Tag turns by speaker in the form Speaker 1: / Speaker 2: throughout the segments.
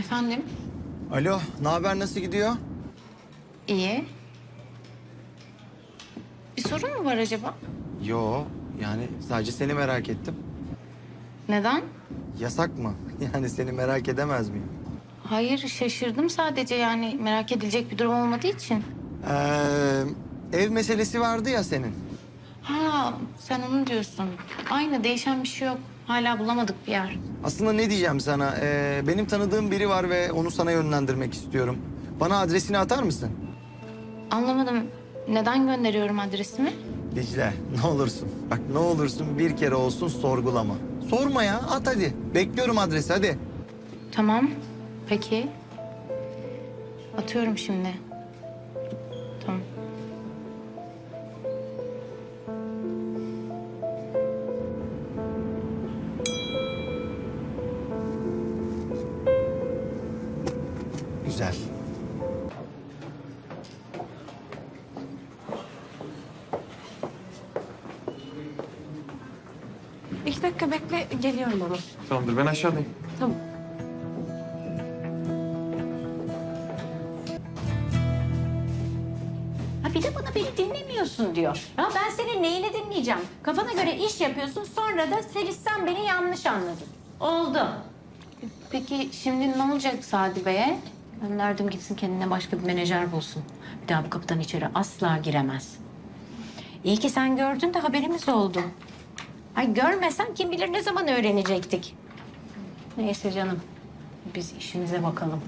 Speaker 1: Efendim?
Speaker 2: Alo, ne haber, nasıl gidiyor?
Speaker 1: İyi. Bir sorun mu var acaba?
Speaker 2: Yo, yani sadece seni merak ettim.
Speaker 1: Neden?
Speaker 2: Yasak mı? Yani seni merak edemez miyim?
Speaker 1: Hayır, şaşırdım sadece, yani merak edilecek bir durum olmadığı için.
Speaker 2: Ev meselesi vardı ya senin.
Speaker 1: Ha, sen onu diyorsun. Aynı, değişen bir şey yok. Hala bulamadık bir yer.
Speaker 2: Aslında ne diyeceğim sana? Benim tanıdığım biri var ve onu sana yönlendirmek istiyorum. Bana adresini atar mısın?
Speaker 1: Anlamadım. Neden gönderiyorum adresimi?
Speaker 2: Dicle, ne olursun. Bak ne olursun bir kere olsun sorgulama. Sorma ya, at hadi. Bekliyorum adresi, hadi.
Speaker 1: Tamam. Peki. Atıyorum şimdi. Tamam.
Speaker 2: Güzel.
Speaker 3: İki dakika bekle, geliyorum ama.
Speaker 4: Tamamdır, ben aşağıdayım.
Speaker 3: Tamam.
Speaker 5: Ha bir de bana beni dinlemiyorsun diyor. Ya ben senin neyini dinleyeceğim? Kafana göre iş yapıyorsun, sonra da sen beni yanlış anladın. Oldu.
Speaker 1: Peki şimdi ne olacak Sadi Bey'e?
Speaker 5: Gönderdim gitsin, kendine başka bir menajer bulsun. Bir daha bu kapıdan içeri asla giremez. İyi ki sen gördün de haberimiz oldu. Ay görmesen kim bilir ne zaman öğrenecektik. Neyse canım, biz işimize bakalım.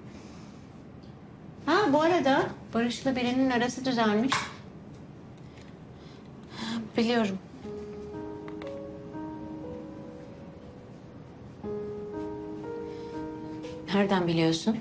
Speaker 5: Ha bu arada Barış'la birinin arası düzelmiş.
Speaker 1: Biliyorum.
Speaker 5: Nereden biliyorsun?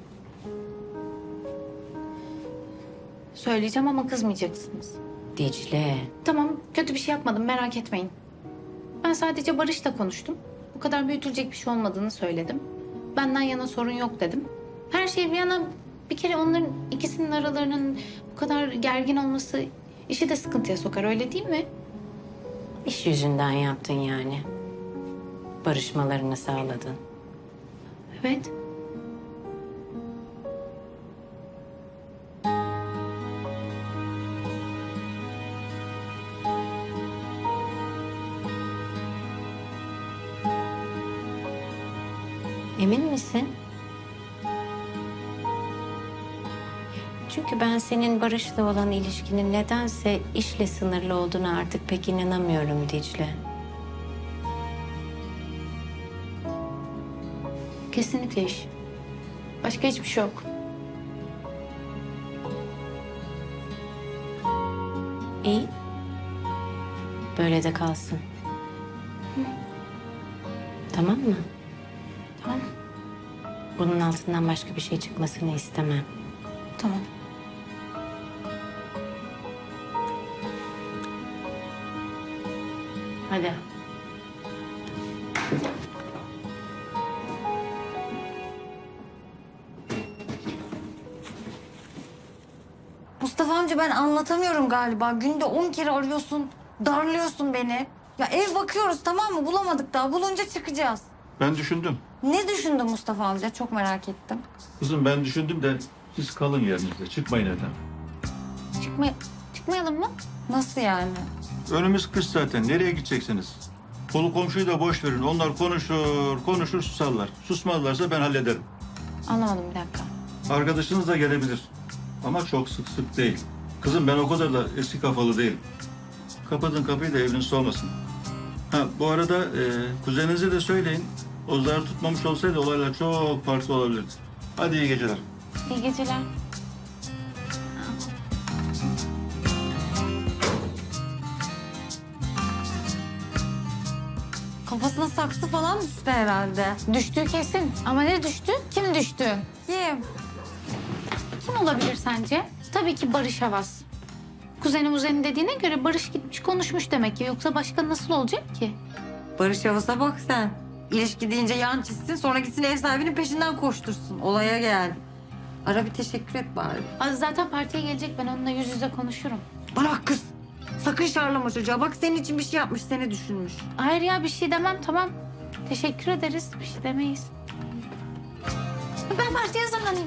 Speaker 1: Söyleyeceğim ama kızmayacaksınız.
Speaker 5: Dicle.
Speaker 1: Tamam, kötü bir şey yapmadım, merak etmeyin. Ben sadece Barış'la konuştum. Bu kadar büyütülecek bir şey olmadığını söyledim. Benden yana sorun yok dedim. Her şey bir yana, bir kere onların ikisinin aralarının bu kadar gergin olması işi de sıkıntıya sokar, öyle değil mi?
Speaker 5: İş yüzünden yaptın yani. Barışmalarını sağladın.
Speaker 1: Evet.
Speaker 5: Emin misin? Çünkü ben senin Barış'la olan ilişkinin nedense işle sınırlı olduğuna artık pek inanamıyorum Dicle.
Speaker 1: Kesinlikle iş. Başka hiçbir şey yok.
Speaker 5: İyi. Böyle de kalsın. Tamam mı?
Speaker 1: Tamam.
Speaker 5: Bunun altından başka bir şey çıkmasını istemem.
Speaker 1: Tamam.
Speaker 5: Hadi.
Speaker 6: Mustafa amca ben anlatamıyorum galiba. Günde 10 kere arıyorsun, darlıyorsun beni. Ya ev bakıyoruz tamam mı? Bulamadık daha. Bulunca çıkacağız.
Speaker 4: Ben düşündüm.
Speaker 6: Ne düşündün Mustafa amca? Çok merak ettim.
Speaker 4: Kızım ben düşündüm de siz kalın yerinizde. Çıkmayın evden.
Speaker 1: Çıkmayalım mı?
Speaker 6: Nasıl yani?
Speaker 4: Önümüz kış zaten. Nereye gideceksiniz? Kolu komşuyu da boş verin. Onlar konuşur susarlar. Susmazlarsa ben hallederim.
Speaker 1: Anlamadım, bir dakika.
Speaker 4: Arkadaşınız da gelebilir. Ama çok sık değil. Kızım ben o kadar da eski kafalı değilim. Kapatın kapıyı da eviniz olmasın. Ha bu arada kuzeninize de söyleyin. O zarı tutmamış olsaydı olaylar çok farklı olabilirdi. Hadi iyi geceler.
Speaker 1: İyi geceler.
Speaker 6: Kafasına saksı falan düştü herhalde.
Speaker 1: Düştü kesin. Ama ne düştü? Kim düştü?
Speaker 6: Kim?
Speaker 1: Kim olabilir sence? Tabii ki Barış Havas. Kuzeni dediğine göre Barış gitmiş konuşmuş demek ki. Yoksa başka nasıl olacak ki?
Speaker 6: Barış Yavuz'a bak sen. İlişki deyince yan çizsin sonra gitsin ev sahibinin peşinden koştursun. Olaya gel. Ara bir teşekkür et bari.
Speaker 1: Zaten partiye gelecek, ben onunla yüz yüze konuşurum.
Speaker 6: Bana bak kız. Sakın şarlama çocuğa. Bak senin için bir şey yapmış, seni düşünmüş.
Speaker 1: Hayır ya, bir şey demem, tamam. Teşekkür ederiz, bir şey demeyiz. Ben partiye hazırlanayım.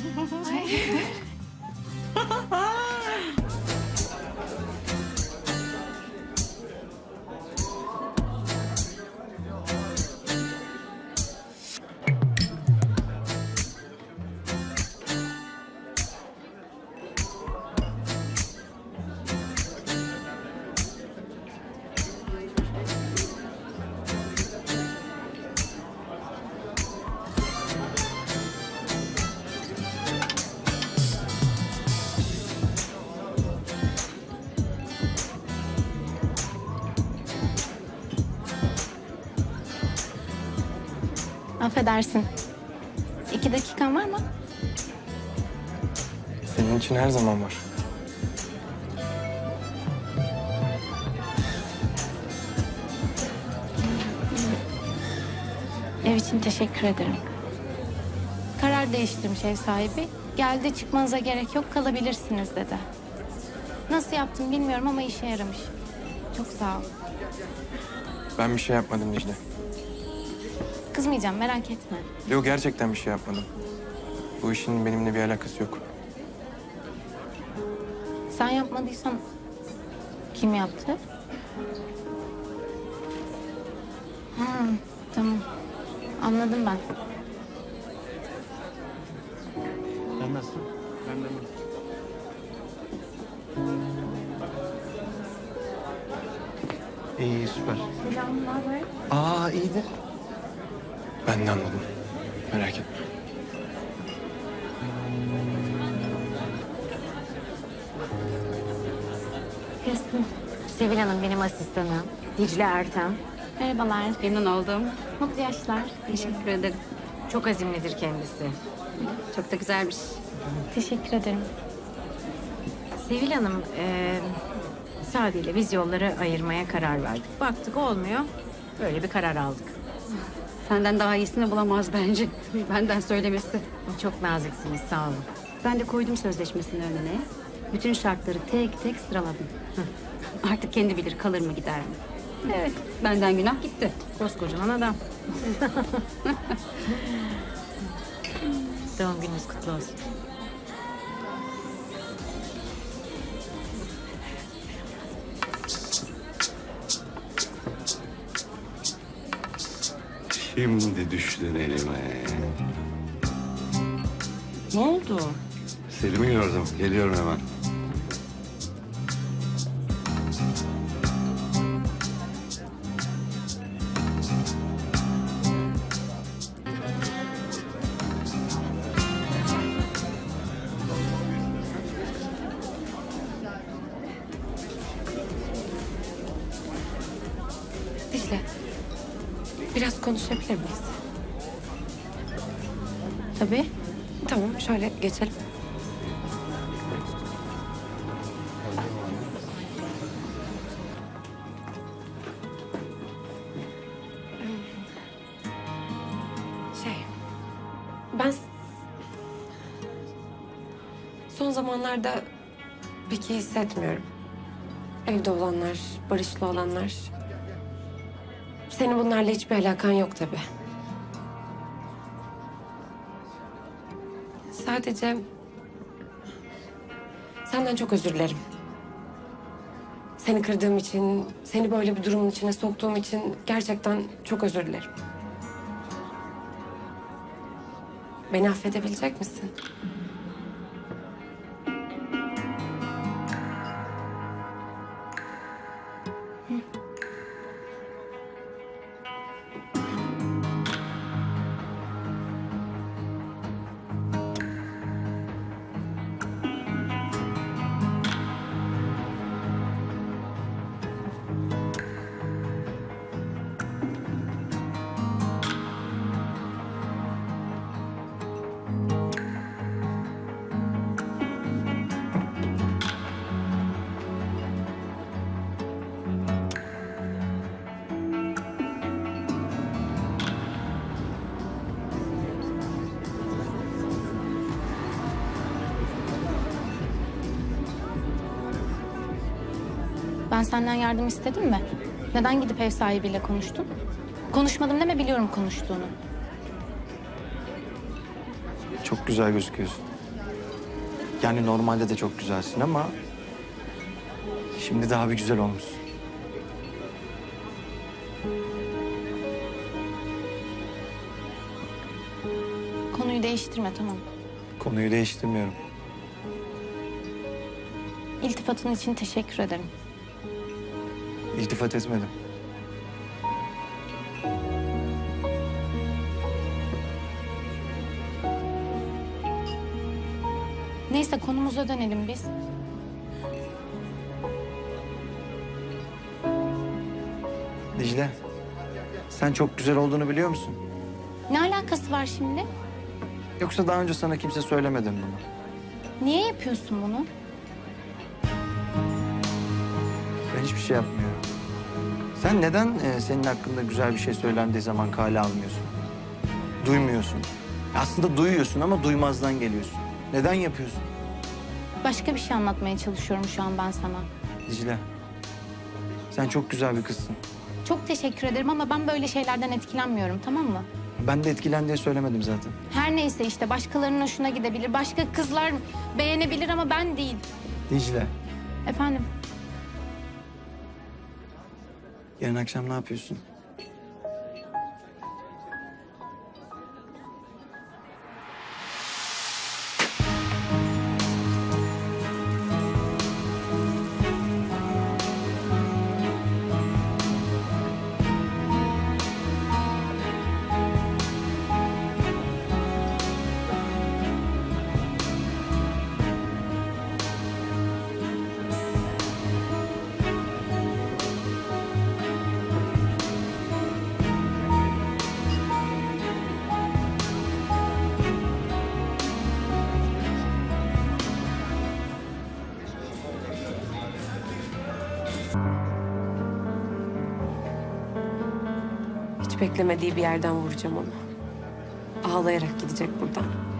Speaker 1: Affedersin. 2 dakikan var mı?
Speaker 7: Senin için her zaman var.
Speaker 1: Ev için teşekkür ederim. Karar değiştirmiş ev sahibi. Geldi çıkmanıza gerek yok kalabilirsiniz dedi. Nasıl yaptım bilmiyorum ama işe yaramış. Çok sağ ol.
Speaker 7: Ben bir şey yapmadım Dicle.
Speaker 1: Kızmayacağım merak etme.
Speaker 7: Yok gerçekten bir şey yapmadım. Bu işin benimle bir alakası yok.
Speaker 1: Sen yapmadıysan kim yaptı? Tamam. Anladım ben.
Speaker 2: Sen nasılsın? İyi süper. Aa iyidir.
Speaker 7: Ben de anladım. Merak etme.
Speaker 5: Kızım. Sevil Hanım benim asistanım. Dicle Ertem.
Speaker 1: Merhabalar.
Speaker 3: Memnun oldum.
Speaker 1: Mutlu yaşlar.
Speaker 3: Teşekkür ederim.
Speaker 5: Çok azimlidir kendisi.
Speaker 3: Çok da güzelmiş.
Speaker 1: Teşekkür ederim.
Speaker 5: Sevil Hanım, Sadi ile biz yolları ayırmaya karar verdik. Baktık olmuyor, böyle bir karar aldık.
Speaker 3: Senden daha iyisini bulamaz bence. Benden söylemesi.
Speaker 5: Çok naziksiniz, sağ olun.
Speaker 3: Ben de koydum sözleşmesini önüne. Bütün şartları tek tek sıraladım. Artık kendi bilir kalır mı gider mi? Evet, benden günah gitti.
Speaker 5: Koskocaman adam. Doğum gününüz kutlu olsun.
Speaker 8: Şimdi düştün elime.
Speaker 5: Ne oldu?
Speaker 8: Selim'i gördüm. Geliyorum hemen.
Speaker 3: Dicle, biraz konuşabilir miyiz?
Speaker 1: Tabii.
Speaker 3: Tamam, şöyle geçelim.
Speaker 9: Ben son zamanlarda pek iyi hissetmiyorum. Evde olanlar, barışlı olanlar. Senin bunlarla hiçbir alakan yok tabii. Sadece senden çok özür dilerim. Seni kırdığım için, seni böyle bir durumun içine soktuğum için gerçekten çok özür dilerim. Beni affedebilecek misin?
Speaker 1: Ben senden yardım istedim mi? Neden gidip ev sahibiyle konuştun? Konuşmadım deme biliyorum konuştuğunu.
Speaker 2: Çok güzel gözüküyorsun. Yani normalde de çok güzelsin ama şimdi daha bir güzel olmuşsun.
Speaker 1: Konuyu değiştirme, tamam.
Speaker 2: Konuyu değiştirmiyorum.
Speaker 1: İltifatın için teşekkür ederim.
Speaker 2: İltifat etmedim.
Speaker 1: Neyse, konumuza dönelim biz.
Speaker 2: Dicle, sen çok güzel olduğunu biliyor musun?
Speaker 1: Ne alakası var şimdi?
Speaker 2: Yoksa daha önce sana kimse söylemedi mi bunu?
Speaker 1: Niye yapıyorsun bunu?
Speaker 2: Ben hiçbir şey yapmıyorum. Sen neden senin hakkında güzel bir şey söylendiği zaman kale almıyorsun? Duymuyorsun. Aslında duyuyorsun ama duymazdan geliyorsun. Neden yapıyorsun?
Speaker 1: Başka bir şey anlatmaya çalışıyorum şu an ben sana.
Speaker 2: Dicle, sen çok güzel bir kızsın.
Speaker 1: Çok teşekkür ederim ama ben böyle şeylerden etkilenmiyorum, tamam mı?
Speaker 2: Ben de etkilen diye söylemedim zaten.
Speaker 1: Her neyse işte, başkalarının hoşuna gidebilir. Başka kızlar beğenebilir ama ben değil.
Speaker 2: Dicle,
Speaker 1: Efendim?
Speaker 2: yarın akşam ne yapıyorsun?
Speaker 9: Hiç beklemediği bir yerden vuracağım onu. Ağlayarak gidecek buradan.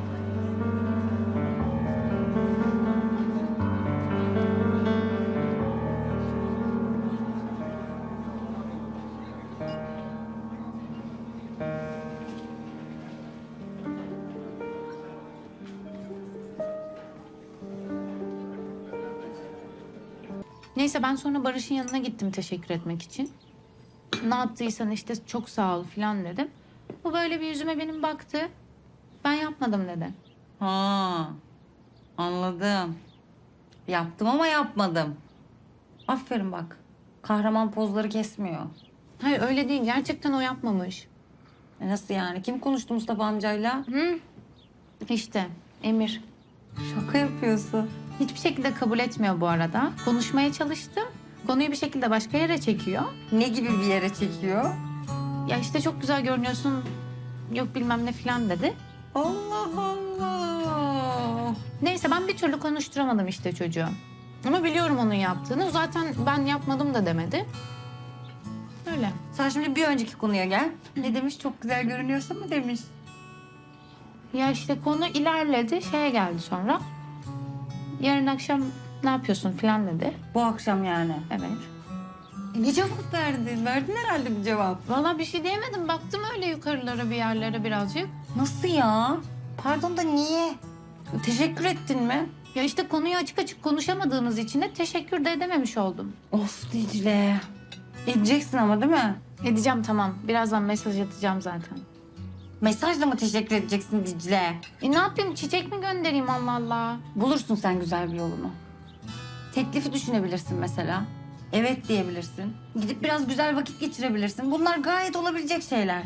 Speaker 1: Neyse, ben sonra Barış'ın yanına gittim teşekkür etmek için. Ne yaptıysan işte çok sağ ol falan dedim. Bu böyle bir yüzüme benim baktı. Ben yapmadım dedi.
Speaker 6: Ha, anladım. Yaptım ama yapmadım. Aferin bak. Kahraman pozları kesmiyor.
Speaker 1: Hayır öyle değil, gerçekten o yapmamış.
Speaker 6: Nasıl yani? Kim konuştu Mustafa amcayla?
Speaker 1: İşte Emir.
Speaker 6: Şaka yapıyorsun.
Speaker 1: Hiçbir şekilde kabul etmiyor bu arada. Konuşmaya çalıştım. Konuyu bir şekilde başka yere çekiyor.
Speaker 6: Ne gibi bir yere çekiyor?
Speaker 1: Ya işte çok güzel görünüyorsun, yok bilmem ne falan dedi.
Speaker 6: Allah Allah.
Speaker 1: Neyse, ben bir türlü konuşturamadım işte çocuğu. Ama biliyorum onun yaptığını. Zaten ben yapmadım da demedi. Öyle.
Speaker 6: Sen şimdi bir önceki konuya gel. Ne demiş? Çok güzel görünüyorsun mu demiş.
Speaker 1: Ya işte konu ilerledi, şeye geldi sonra. Yarın akşam ne yapıyorsun falan dedi.
Speaker 6: Bu akşam yani.
Speaker 1: Evet.
Speaker 6: Ne cevap verdin? Verdin herhalde bir cevap.
Speaker 1: Vallahi bir şey diyemedim. Baktım öyle yukarılara bir yerlere birazcık.
Speaker 6: Nasıl ya? Pardon da niye? Teşekkür ettin mi?
Speaker 1: Ya işte konuyu açık açık konuşamadığımız için de teşekkür de edememiş oldum.
Speaker 6: Of Dicle. Edeceksin ama değil mi?
Speaker 1: Edeceğim, tamam. Birazdan mesaj atacağım zaten.
Speaker 6: Mesajla mı teşekkür edeceksin Dicle?
Speaker 1: Ne yapayım? Çiçek mi göndereyim, Allah Allah?
Speaker 6: Bulursun sen güzel bir yolunu. Teklifi düşünebilirsin mesela. Evet diyebilirsin. Gidip biraz güzel vakit geçirebilirsin. Bunlar gayet olabilecek şeyler.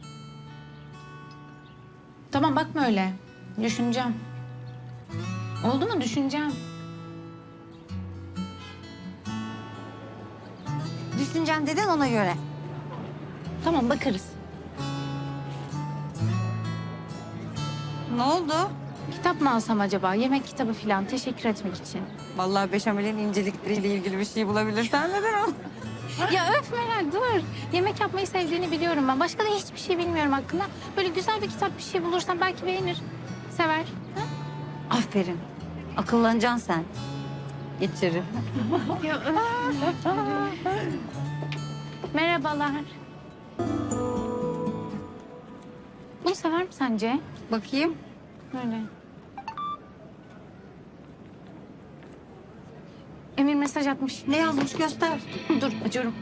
Speaker 1: Tamam, bakma öyle. Düşüneceğim. Oldu mu? Düşüneceğim.
Speaker 6: Düşüneceksin dedin ona göre.
Speaker 1: Tamam, bakarız.
Speaker 6: Ne oldu?
Speaker 1: Kitap mı alsam acaba? Yemek kitabı falan, teşekkür etmek için.
Speaker 6: Vallahi beşamelin incelikleriyle ilgili bir şey bulabilirsen neden o?
Speaker 1: Ya öf Meral, dur. Yemek yapmayı sevdiğini biliyorum ben. Başka da hiçbir şey bilmiyorum hakkında. Böyle güzel bir kitap, bir şey bulursam belki beğenir. Sever. Ha?
Speaker 6: Aferin. Akıllanacaksın sen. Geçirim.
Speaker 1: Ya, öf. Merhabalar. Bunu sever mi sence?
Speaker 6: Bakayım.
Speaker 1: Öyle. Emir mesaj atmış.
Speaker 6: Ne yazmış göster.
Speaker 1: Dur açıyorum.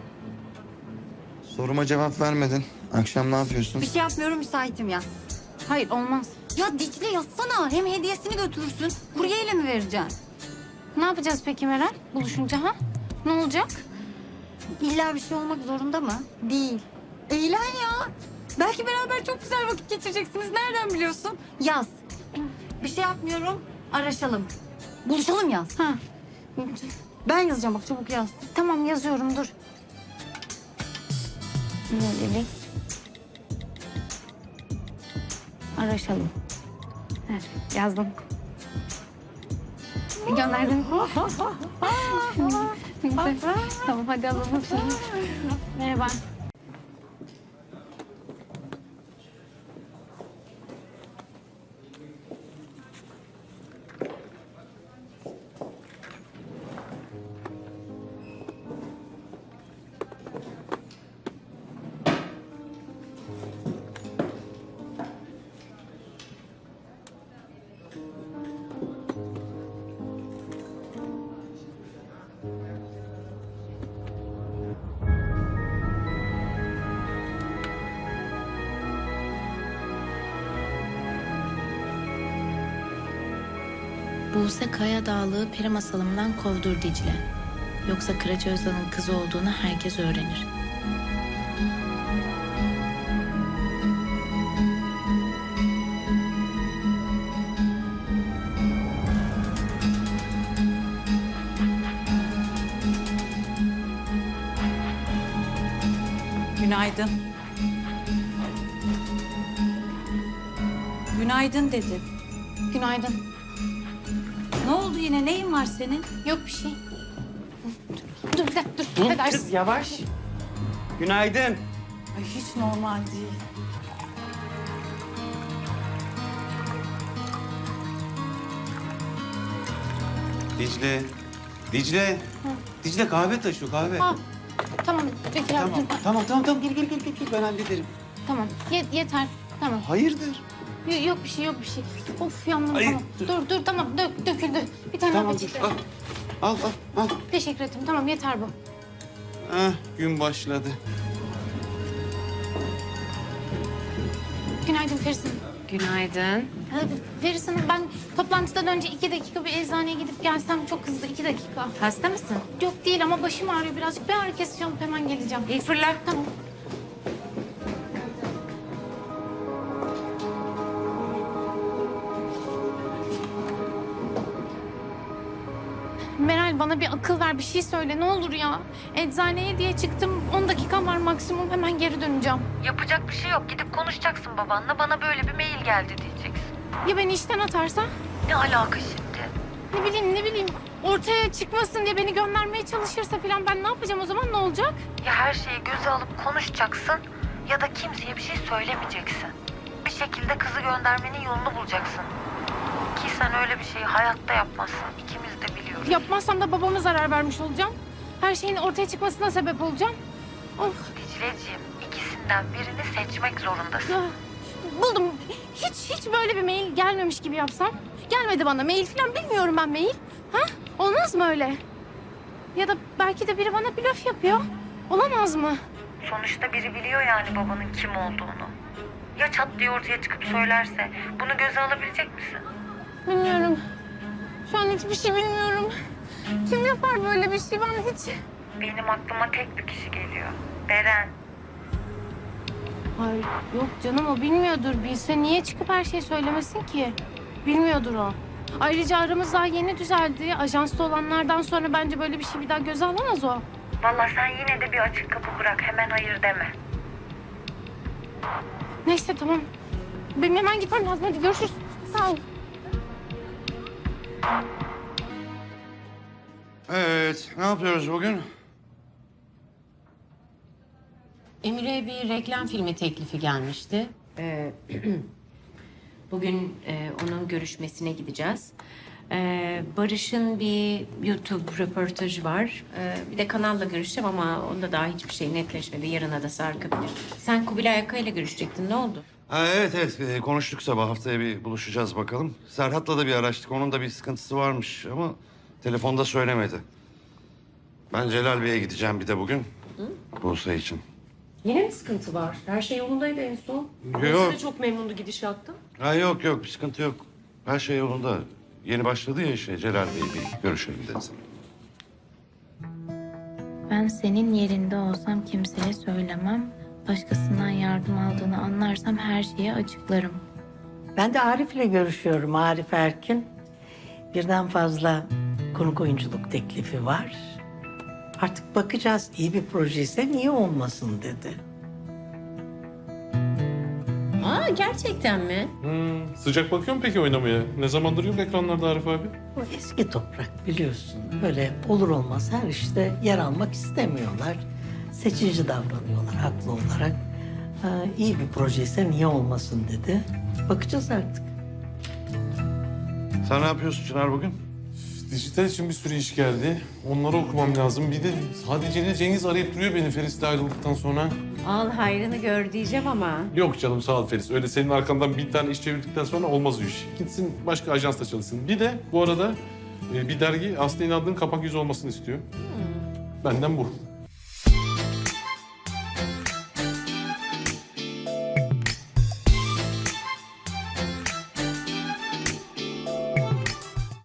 Speaker 2: Soruma cevap vermedin. Akşam ne yapıyorsun?
Speaker 6: Bir şey yapmıyorum, müsaitim yaz.
Speaker 1: Hayır olmaz.
Speaker 6: Ya Dicle yazsana. Hem hediyesini götürürsün. Kuryeyle mi vereceksin?
Speaker 1: Ne yapacağız peki Meral? Buluşunca ha? Ne olacak?
Speaker 6: İlla bir şey olmak zorunda mı? Değil. Eğlen ya. Belki beraber çok güzel vakit geçireceksiniz. Nereden biliyorsun? Yaz. Bir şey yapmıyorum. Araşalım. Buluşalım yaz.
Speaker 1: Ha.
Speaker 6: Ben yazacağım bak, çabuk yaz.
Speaker 1: Tamam yazıyorum dur. Böylelik. Araşalım. Heh, yazdım. Gönderdim. Tamam hadi alalım şimdi. Merhaba.
Speaker 10: Buse Kaya Dağlı'ğı peri masalımdan kovdur Dicle. Yoksa Kıraç Özal'ın kızı olduğunu herkes öğrenir.
Speaker 11: Günaydın. Günaydın dedi.
Speaker 1: Günaydın.
Speaker 11: Ne oldu yine? Neyin var senin?
Speaker 1: Yok bir şey. Dur bir dakika dur. Hadi Arsız.
Speaker 2: Yavaş. Günaydın.
Speaker 11: Ay hiç normal değil.
Speaker 8: Dicle. Dicle. Dicle kahve taşı kahve.
Speaker 1: Ha, tamam Bekir abi dur.
Speaker 8: Tamam. Gel ben hallederim.
Speaker 1: Tamam yeter. Tamam.
Speaker 8: Hayırdır?
Speaker 1: Yok bir şey yok bir şey. Of yandım
Speaker 8: Ay,
Speaker 1: tamam. Dur tamam döküldü. Bir tane
Speaker 8: Tamam
Speaker 1: daha
Speaker 8: dur.
Speaker 1: peçete.
Speaker 8: Al.
Speaker 1: Teşekkür ederim tamam yeter bu.
Speaker 8: Gün başladı.
Speaker 1: Günaydın Feris Hanım.
Speaker 5: Günaydın.
Speaker 1: Feris Hanım ben toplantıdan önce 2 dakika bir eczaneye gidip gelsem çok hızlı 2 dakika.
Speaker 5: Hasta mısın?
Speaker 1: Yok değil ama başım ağrıyor birazcık. Bir ağrı kesici alıp hemen geleceğim.
Speaker 5: İyi fırla.
Speaker 1: Tamam. Meral bana bir akıl ver bir şey söyle ne olur ya. Eczaneye diye çıktım 10 dakikam var maksimum hemen geri döneceğim.
Speaker 6: Yapacak bir şey yok. Gidip konuşacaksın babanla. Bana böyle bir mail geldi diyeceksin.
Speaker 1: Ya beni işten atarsa?
Speaker 6: Ne alaka şimdi?
Speaker 1: Ne bileyim ortaya çıkmasın diye beni göndermeye çalışırsa falan ben ne yapacağım o zaman ne olacak?
Speaker 6: Ya her şeyi göze alıp konuşacaksın ya da kimseye bir şey söylemeyeceksin. Bir şekilde kızı göndermenin yolunu bulacaksın. Ki sen öyle bir şeyi hayatta yapmazsın. İkimiz de biliyoruz.
Speaker 1: Yapmazsam da babama zarar vermiş olacağım. Her şeyin ortaya çıkmasına sebep olacağım. Of.
Speaker 6: Dicleciğim, ikisinden birini seçmek zorundasın.
Speaker 1: Ya, buldum. Hiç böyle bir mail gelmemiş gibi yapsam. Gelmedi bana mail falan bilmiyorum ben mail. Ha? Olmaz mı öyle? Ya da belki de biri bana blöf yapıyor. Olamaz mı?
Speaker 6: Sonuçta biri biliyor yani babanın kim olduğunu. Ya çat diye ortaya çıkıp söylerse bunu göze alabilecek misin?
Speaker 1: Bilmiyorum. Şu an hiçbir şey bilmiyorum. Kim yapar böyle bir şey ben hiç...
Speaker 6: Benim aklıma tek bir kişi geliyor. Beren.
Speaker 1: Ay yok canım o bilmiyordur. Bilse niye çıkıp her şeyi söylemesin ki? Bilmiyordur o. Ayrıca aramız daha yeni düzeldi. Ajansta olanlardan sonra bence böyle bir şey bir daha göze alamaz o.
Speaker 6: Vallahi sen yine de bir açık kapı bırak. Hemen hayır deme.
Speaker 1: Neyse tamam. Benim hemen gitmem lazım. Hadi görüşürüz. Sağ ol.
Speaker 8: Evet, ne yapıyoruz bugün?
Speaker 5: Emir'e bir reklam filmi teklifi gelmişti. Bugün onun görüşmesine gideceğiz. Barış'ın bir YouTube röportajı var. Bir de kanalla görüşeceğim ama onda daha hiçbir şey netleşmedi. Yarına da sarkabilir. Sen Kubilay Aka ile görüşecektin. Ne oldu?
Speaker 8: Ha, evet konuştuk sabah, haftaya bir buluşacağız bakalım. Serhat'la da bir araştık, onun da bir sıkıntısı varmış ama telefonda söylemedi. Ben Celal Bey'e gideceğim bir de bugün. Buse için.
Speaker 9: Yine mi sıkıntı var? Her şey yolundaydı en son.
Speaker 8: Yok.
Speaker 9: Buse de çok memnundu gidişattan.
Speaker 8: Ha, yok bir sıkıntı yok. Her şey yolunda. Yeni başladı ya işe, Celal Bey'i bir görüşelim dedim.
Speaker 10: Ben senin yerinde olsam kimseye söylemem. Başkasından yardım aldığını anlarsam her şeyi açıklarım.
Speaker 12: Ben de Arif'le görüşüyorum, Arif Erkin. Birden fazla konuk oyunculuk teklifi var. Artık bakacağız, iyi bir projeyse niye olmasın dedi.
Speaker 5: Aa, gerçekten mi?
Speaker 13: Sıcak bakıyor mu peki oynamaya? Ne zamandır yok ekranlarda Arif abi?
Speaker 12: O eski toprak biliyorsun. Böyle olur olmaz her işte yer almak istemiyorlar. Seçici davranıyorlar haklı olarak. İyi bir projeyse niye olmasın dedi. Bakacağız artık.
Speaker 8: Sen ne yapıyorsun Çınar bugün?
Speaker 13: Dijital için bir sürü iş geldi. Onları okumam lazım. Bir de sadece Cengiz arayıp duruyor beni Feris'le ayrıldıktan sonra.
Speaker 5: Al hayrını gör diyeceğim ama.
Speaker 13: Yok canım sağ ol Feris. Öyle senin arkandan bir tane iş çevirdikten sonra olmaz o iş. Gitsin başka ajansta çalışsın. Bir de bu arada bir dergi Aslı İnadlı'nın kapak yüzü olmasını istiyor. Benden bu.